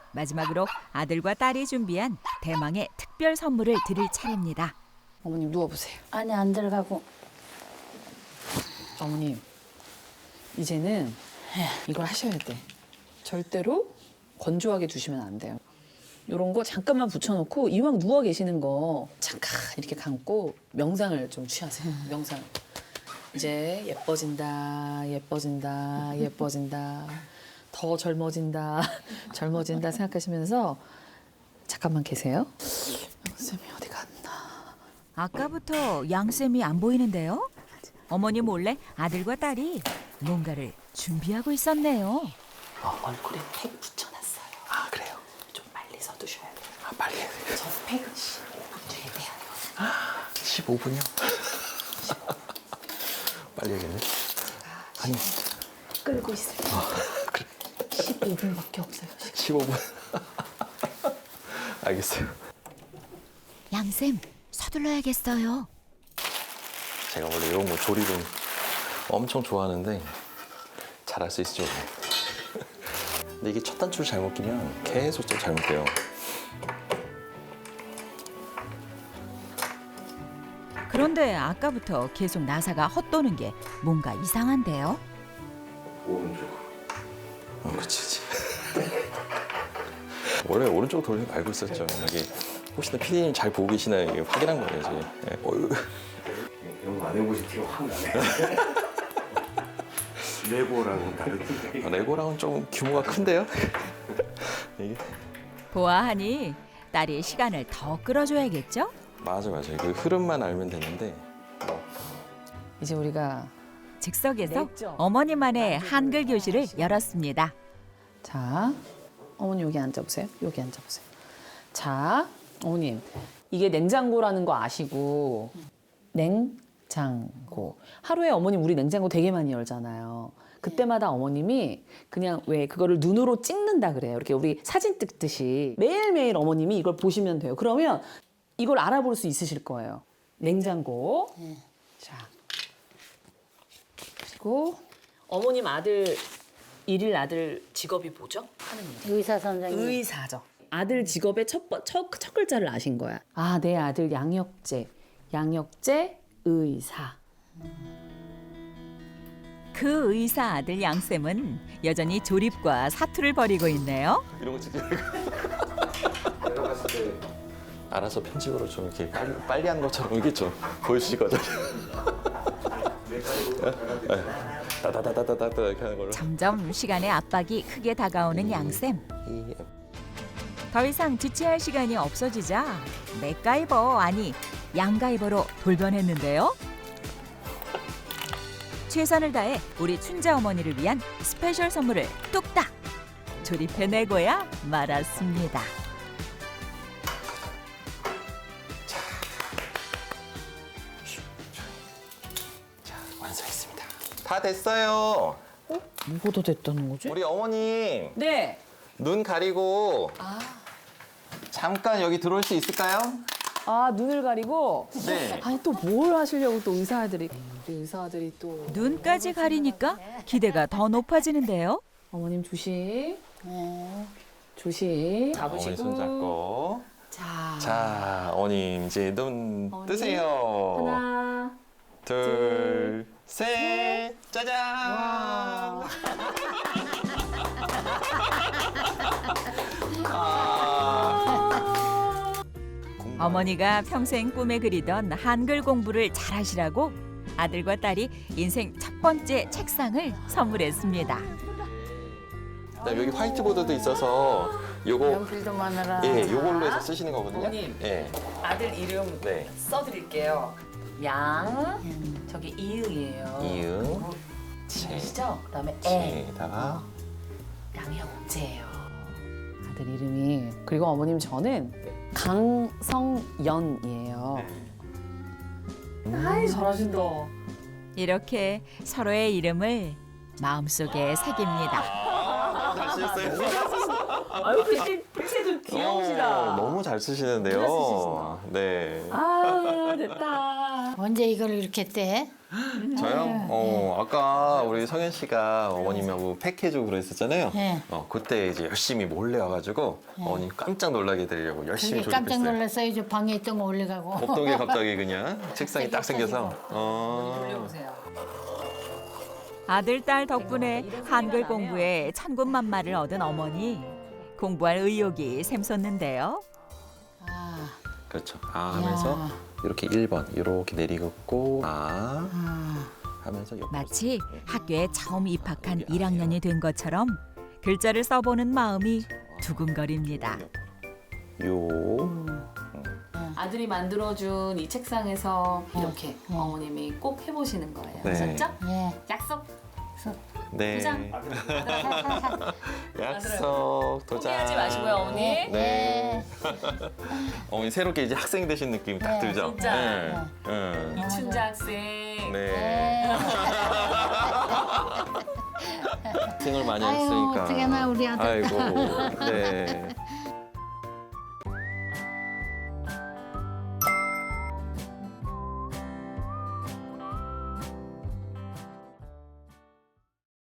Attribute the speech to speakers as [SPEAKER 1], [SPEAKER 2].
[SPEAKER 1] 마지막으로 아들과 딸이 준비한 대망의 특별 선물을 드릴 차례입니다.
[SPEAKER 2] 어머님 누워보세요.
[SPEAKER 3] 안에 안 들어가고.
[SPEAKER 2] 어머님 이제는 이걸 하셔야 돼. 절대로 건조하게 두시면 안 돼요. 이런 거 잠깐만 붙여놓고 이왕 누워 계시는 거 잠깐 이렇게 감고 명상을 좀 취하세요. 명상. 이제 예뻐진다, 예뻐진다, 예뻐진다. 더 젊어진다, 젊어진다 생각하시면서 잠깐만 계세요. 쌤이 어디 갔나?
[SPEAKER 1] 아까부터 양쌤이 안 보이는데요. 어머니 몰래 아들과 딸이 뭔가를 준비하고 있었네요.
[SPEAKER 2] 얼굴에 팩 붙여놨어요.
[SPEAKER 4] 아 그래요?
[SPEAKER 2] 좀 빨리 서두셔야 돼요.
[SPEAKER 4] 아 빨리 해야 돼요.
[SPEAKER 2] 저 팩은 15분 뒤에 돼야 돼요.
[SPEAKER 4] 15분이요? 빨리 해야겠네. 아니
[SPEAKER 2] 끌고 있어요.
[SPEAKER 4] 그래.
[SPEAKER 2] 15분밖에 없어요.
[SPEAKER 4] 15분. 알겠어요.
[SPEAKER 1] 양쌤 서둘러야겠어요.
[SPEAKER 4] 제가 원래 이런 거 조리를 엄청 좋아하는데 잘할 수 있을지 모르겠어요. 근데 이게 첫 단추를 잘못 끼면 계속 또 잘못돼요.
[SPEAKER 1] 그런데 아까부터 계속 나사가 헛도는 게 뭔가 이상한데요.
[SPEAKER 4] 오른쪽. 그렇지. 원래 오른쪽 돌리는 거 알고 있었죠. 여기 혹시나 피디님 잘 보고 계시나 이게 확인한 거예요 지금. 네.
[SPEAKER 5] 이런 거 안 해보신 티가 확 나네. 레고랑은 다르지.
[SPEAKER 4] 레고랑은 좀 규모가 큰데요? 이게
[SPEAKER 1] 보아하니 딸이 시간을 더 끌어줘야겠죠?
[SPEAKER 4] 맞아요. 그 흐름만 알면 되는데.
[SPEAKER 2] 이제 우리가
[SPEAKER 1] 즉석에서
[SPEAKER 2] 냈죠?
[SPEAKER 1] 어머니만의 한글 교실을 열었습니다.
[SPEAKER 2] 자, 어머니 여기 앉아보세요. 여기 앉아보세요. 자, 어머님 이게 냉장고라는 거 아시고 냉장고 하루에 어머님 우리 냉장고 되게 많이 열잖아요. 그때마다 어머님이 그냥 왜 그거를 눈으로 찍는다 그래요. 이렇게 우리 사진 찍듯이 매일매일 어머님이 이걸 보시면 돼요. 그러면 이걸 알아볼 수 있으실 거예요. 냉장고. 자, 그리고 어머님 아들 일일 아들 직업이 뭐죠? 하는 일.
[SPEAKER 3] 의사 선생님.
[SPEAKER 2] 의사죠. 아들 직업의 첫 글자를 아신 거야. 아, 내 아들 양혁재 의사.
[SPEAKER 1] 그 의사 아들 양쌤은 여전히 조립과 사투를 벌이고 있네요.
[SPEAKER 4] 이런 거 찍지 말고.
[SPEAKER 5] 내가 봤을 때
[SPEAKER 4] 알아서 편집으로 좀 이렇게 빨리 한 것처럼 이게 좀 보여주시거든요. 따다다다다다 이렇게 하는 걸로.
[SPEAKER 1] 점점 시간의 압박이 크게 다가오는 양쌤. 더 이상 지체할 시간이 없어지자 맥가이버 아니 양가이버로 돌변했는데요. 최선을 다해 우리 춘자 어머니를 위한 스페셜 선물을 뚝딱 조립해내고야 말았습니다.
[SPEAKER 4] 자, 완성했습니다. 다 됐어요.
[SPEAKER 2] 뭐가 됐다는 거지?
[SPEAKER 4] 우리 어머님
[SPEAKER 2] 네.
[SPEAKER 4] 눈 가리고 잠깐 여기 들어올 수 있을까요?
[SPEAKER 2] 아, 눈을 가리고.
[SPEAKER 4] 네.
[SPEAKER 2] 아니 또 뭘 하시려고 또 의사들이. 우리 의사들이 또.
[SPEAKER 1] 눈까지 가리니까 기대가 더 높아지는데요.
[SPEAKER 2] 어머님 조심.
[SPEAKER 3] 네.
[SPEAKER 2] 조심.
[SPEAKER 4] 어머니 손 잡고.
[SPEAKER 2] 자.
[SPEAKER 4] 자, 어머님 이제 눈
[SPEAKER 2] 어머니.
[SPEAKER 4] 뜨세요.
[SPEAKER 2] 하나.
[SPEAKER 4] 둘, 셋, 짜잔!
[SPEAKER 1] 어머니가 평생 꿈에 그리던 한글 공부를 잘하시라고 아들과 딸이 인생 첫 번째 책상을 선물했습니다.
[SPEAKER 4] 그다음에 여기 화이트보드도 있어서 요거
[SPEAKER 3] 연필도 많아라.
[SPEAKER 4] 예, 요걸로 해서 쓰시는 거거든요.
[SPEAKER 2] 어머님.
[SPEAKER 4] 예.
[SPEAKER 2] 아들 이름
[SPEAKER 4] 네.
[SPEAKER 2] 써드릴게요. 양. 저기 이응이에요.
[SPEAKER 4] 이응.
[SPEAKER 2] 지시죠? 그다음에 애.
[SPEAKER 4] 에다가
[SPEAKER 2] 양형제예요. 아들 이름이. 그리고 어머님 저는 강성연이에요. 아이 잘하신다.
[SPEAKER 1] 이렇게 서로의 이름을 마음속에 새깁니다.
[SPEAKER 4] 잘 쓰셨어요.
[SPEAKER 2] 아유 글씨도 귀여우시다.
[SPEAKER 4] 너무 잘 쓰시는데요.
[SPEAKER 2] 진짜 쓰시시나.
[SPEAKER 4] 네.
[SPEAKER 2] 아 됐다.
[SPEAKER 3] 언제 이걸 이렇게 떼?
[SPEAKER 4] 저요? 아까 우리 성현 씨가 어머님하고 팩해주고 그랬었잖아요.
[SPEAKER 3] 네.
[SPEAKER 4] 그때 이제 열심히 몰래 와가지고 어머님 깜짝 놀라게 드리려고 열심히
[SPEAKER 3] 그게 깜짝
[SPEAKER 4] 조립했어요.
[SPEAKER 3] 놀랐어요. 저 방에 있던 거 올려가고.
[SPEAKER 4] 없던 게 갑자기 그냥 책상이 딱 생겨서.
[SPEAKER 2] 돌려보세요.
[SPEAKER 1] 아들, 딸 덕분에 한글 공부에 천군만마를 얻은 어머니. 공부할 의욕이 샘솟는데요.
[SPEAKER 3] 아,
[SPEAKER 4] 그렇죠. 하면서 이렇게 1번 이렇게 내리긋고 하면서 옆으로
[SPEAKER 1] 마치 학교에 처음 입학한 1학년이 된 것처럼 글자를 써보는 마음이 두근거립니다.
[SPEAKER 4] 요.
[SPEAKER 2] 아들이 만들어준 이 책상에서 이렇게 어머님이 꼭 해보시는 거예요.
[SPEAKER 4] 네.
[SPEAKER 2] 아셨죠?
[SPEAKER 3] 예.
[SPEAKER 2] 약속.
[SPEAKER 4] 네.
[SPEAKER 2] 도장.
[SPEAKER 4] 약속 도장.
[SPEAKER 2] 포기하지 마시고요, 어머니.
[SPEAKER 4] 네. 어머니 새롭게 이제 학생 되신 느낌이 딱 들죠.
[SPEAKER 2] 진짜.
[SPEAKER 4] 네. 네.
[SPEAKER 2] 이춘자 학생.
[SPEAKER 4] 네. 생을 많이
[SPEAKER 3] 아유,
[SPEAKER 4] 했으니까.
[SPEAKER 3] 어떡하나, 우리 아들.
[SPEAKER 4] 아이고. 네.